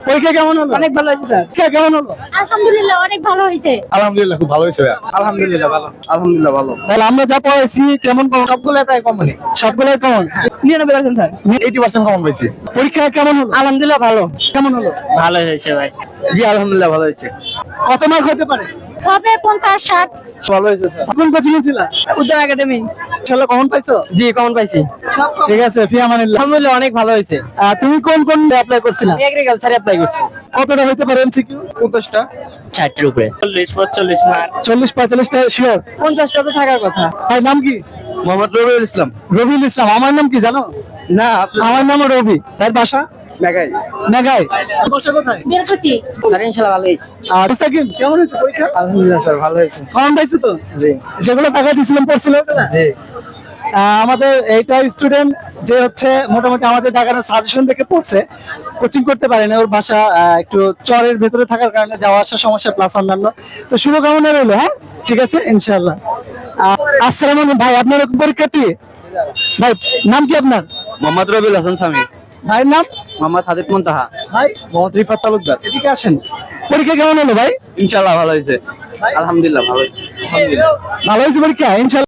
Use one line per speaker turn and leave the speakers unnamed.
পরীক্ষা কেমন হলো?
অনেক ভালো হয়েছে স্যার।
পরীক্ষা কেমন হলো?
আলহামদুলিল্লাহ অনেক ভালো হয়েছে।
আলহামদুলিল্লাহ খুব ভালো হয়েছে ভাইয়া।
আলহামদুলিল্লাহ ভালো। আলহামদুলিল্লাহ ভালো।
তাহলে আমরা যা পড়াইছি কেমন পাবো?
সবগুলো প্রায় কমপ্লিট।
সবগুলাই কেমন?
99% স্যার।
80% কমন পাইছি। পরীক্ষা কেমন হলো?
আলহামদুলিল্লাহ ভালো।
কেমন হলো?
ভালো হয়েছে ভাই।
জি আলহামদুলিল্লাহ ভালো হয়েছে।
কত মার্ক হতে পারে?
হবে 50-60।
ভালো হয়েছে স্যার।
কোন কোচিং ছিল?
উদ্যান একাডেমি।
ইনশাআল্লাহ কমন পাইছো?
জি কমন পাইছি।
ঠিক আছে, ফি আমানিল্লাহ।
আলহামদুলিল্লাহ অনেক ভালো হয়েছে।
তুমি কোন অ্যাপ্লাই করছিলা?
এগ্রিকালচারে অ্যাপ্লাই করছি।
কতটা হইতে পারে এমসিকিউ?
50টা।
60 এর উপরে। 40-45 মার্ক।
40-45টা শিওর?
50টা তো থাকার কথা।
ভাই নাম কি?
মোহাম্মদ রবিউল ইসলাম।
রবিউল ইসলাম। আমার নাম কি জানো?
না
আমার নামও রবি। তার বাসা
মেঘাই।
মেঘায়। বাসা কোথায়?
বেরকুচি। স্যার ইনশাআল্লাহ ভালো হয়েছে।
আর মুস্তাকিম কেমন হয়েছে পরীক্ষা?
আলহামদুলিল্লাহ স্যার ভালো হয়েছে।
কমন পাইছো তো?
জি
যেগুলো টাকা দিছিলাম পড়ছিল ওগুলা?
জি।
আমাদের এইটা স্টুডেন্ট যে হচ্ছে মোটামুটি আমাদের দেখানো সাজেশন দেখে পড়ছে, কোচিং করতে পারে না। ওর বাসা একটু চরের ভেতরে থাকার কারণে যাওয়া আসার সমস্যা প্লাস অন্যান্য। তো শুভকামনা রইলো। হ্যাঁ ঠিক আছে ইনশাআল্লাহ। আসসালামু আলাইকুম ভাই, আপনার পরীক্ষার্থী? ভাই নাম কি আপনার?
মোহাম্মদ রবিউল হাসান সামি।
ভাইয়ের নাম?
মোহাম্মদ হাদিদ মুনতাহা।
ভাই
মোহাম্মদ রিফাত তালুকদার।
এদিকে আসেন। পরীক্ষা কেমন হলো ভাই?
ইনশাআল্লাহ ভালো হয়েছে। আলহামদুলিল্লাহ ভালো হয়েছে। আলহামদুলিল্লাহ।
ভালো হয়েছে পরীক্ষা ইনশাআল্লাহ।